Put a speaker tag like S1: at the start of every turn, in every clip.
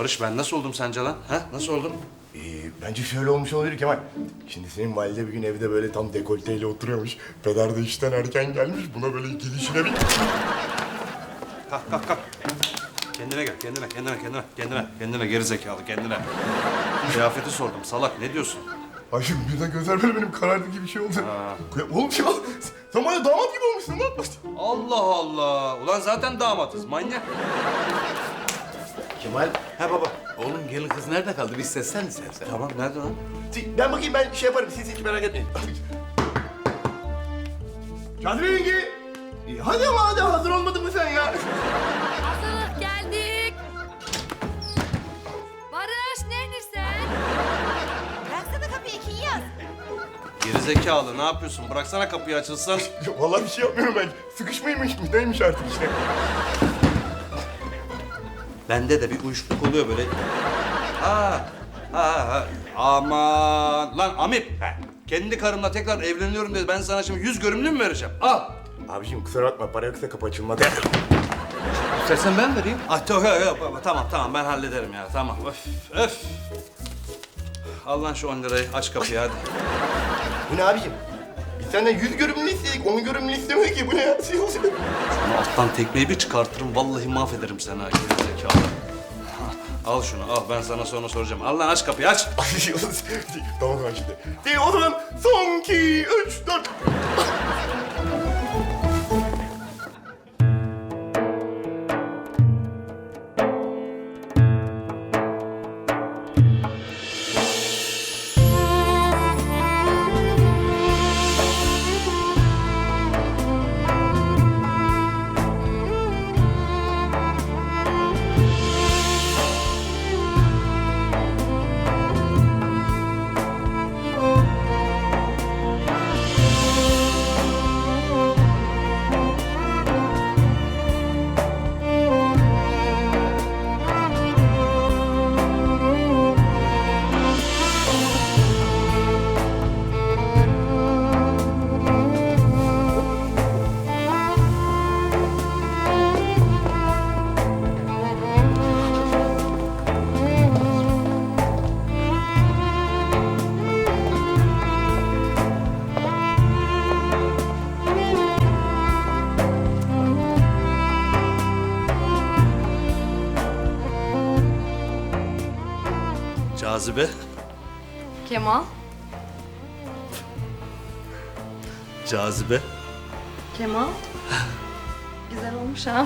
S1: Barış ben nasıl oldum sence lan? Ha? Nasıl oldum?
S2: Bence şöyle olmuş olabilir Kemal. Şimdi senin valide bir gün evde böyle tam dekolteyle oturuyormuş. Peder de işten erken gelmiş. Buna böyle gelişine bir...
S1: Kalk. Kendine gel, kendine geri zekalı, kendine. Kıyafeti sordum, salak ne diyorsun?
S2: Ay şimdi birden gözler böyle benim karardı gibi bir şey oldu. Oğlum ya sen bana damat gibi olmuşsun lan.
S1: Allah Allah! Ulan zaten damatız, manyak.
S3: Kemal,
S1: He baba.
S3: oğlum gelin kız nerede kaldı? Bir seslen sen.
S1: Tamam, nerede lan?
S2: Ben bakayım ben şey yaparım. Siz hiç merak etmeyin. Kadriye yenge. Hadi ama hadi hazır olmadın mı sen ya?
S4: Hazırlık geldik. Barış neredesin?
S5: Bıraksana kapıyı Kinyas.
S1: Geri zekalı, ne yapıyorsun? Bıraksana kapıyı açılsın.
S2: Vallahi bir şey yapmıyorum ben. Sıkışmaymış mı? Neymiş artık işte.
S1: Bende de bir uyuşukluk oluyor böyle. Aman lan Amip. Kendi karımla tekrar evleniyorum dedi. Ben sana şimdi 100 görümlü mü vereceğim? Al.
S2: Abiciğim kusura bakma. Para yoksa kapı açılmadı.
S1: İstersen ben vereyim. Yok, tamam ben hallederim ya. Tamam. Öf. Al lan şu 10 lirayı. Aç kapıyı hadi.
S2: Bu ne abiciğim? Biz senden 100 görümlü istedik. 10 görümlü istemedik ki. Bu ne ya?
S1: Sana alttan tekmeyi bir çıkartırım. Vallahi mahvederim seni ha. Geri zekalı. Al şunu al. Ben sana sonra soracağım. Al lan aç kapıyı aç.
S2: Tamam şimdi. O zaman son 2, 3, 4.
S1: Cazibe.
S4: Kemal.
S1: Cazibe.
S4: Kemal. Güzel olmuş ha.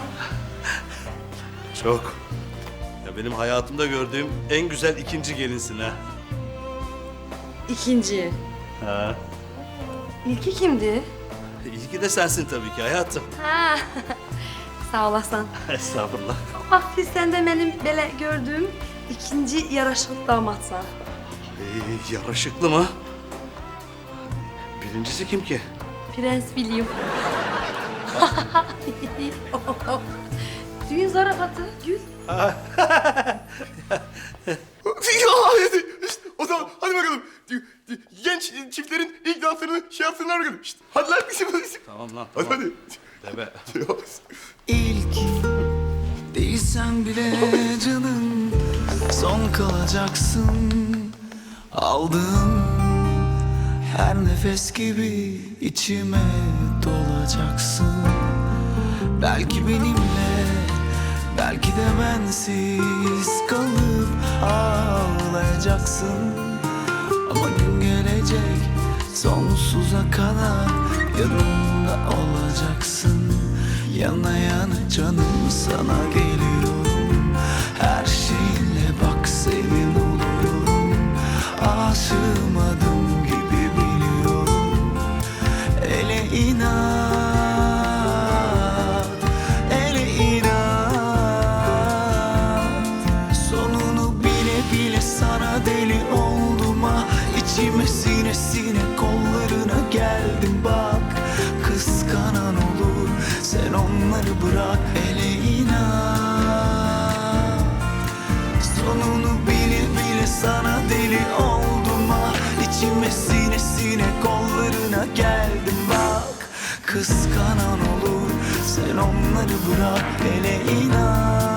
S1: Çok. Ya benim hayatımda gördüğüm en güzel ikinci gelinsin ha.
S4: İkinci.
S1: Ha.
S4: İlki kimdi?
S1: İlki de sensin tabii ki hayatım.
S4: Ha. Sağ olasın.
S1: Estağfurullah.
S4: Hafiz sen de benim böyle gördüğüm ikinci yaraşıklı damatsan.
S1: Yaraşıklı mı? Birincisi kim ki?
S4: Prens William. Düğün zarafatı, gül.
S2: İşte, o zaman hadi bakalım. Genç çiftlerin ilk danslarını şey yapsınlar bakalım. İşte, hadi lan bizim.
S1: Tamam lan
S2: Hadi
S1: tamam.
S2: hadi.
S1: Debe.
S6: İlk değilsen bile canım son kalacaksın. Aldığım her nefes gibi içime dolacaksın. Belki benimle, belki de bensiz kalıp ağlayacaksın. Ama gün gelecek sonsuza kadar yanımda olacaksın. Yana yana canım sana geliyorum. Her şeyle bak senin oluyorum. Aşığım adım gibi biliyorum. Ele inat, ele inat. Sonunu bile bile sana deli oldum ah. İçime sine sine kollarına geldim bak. Kıskanan olur sen onları bırak ele inat. Sonunu bile bile sana deli oldum ah. İçime sine sine kollarına geldim bak. Kıskanan olur sen onları bırak ele inat.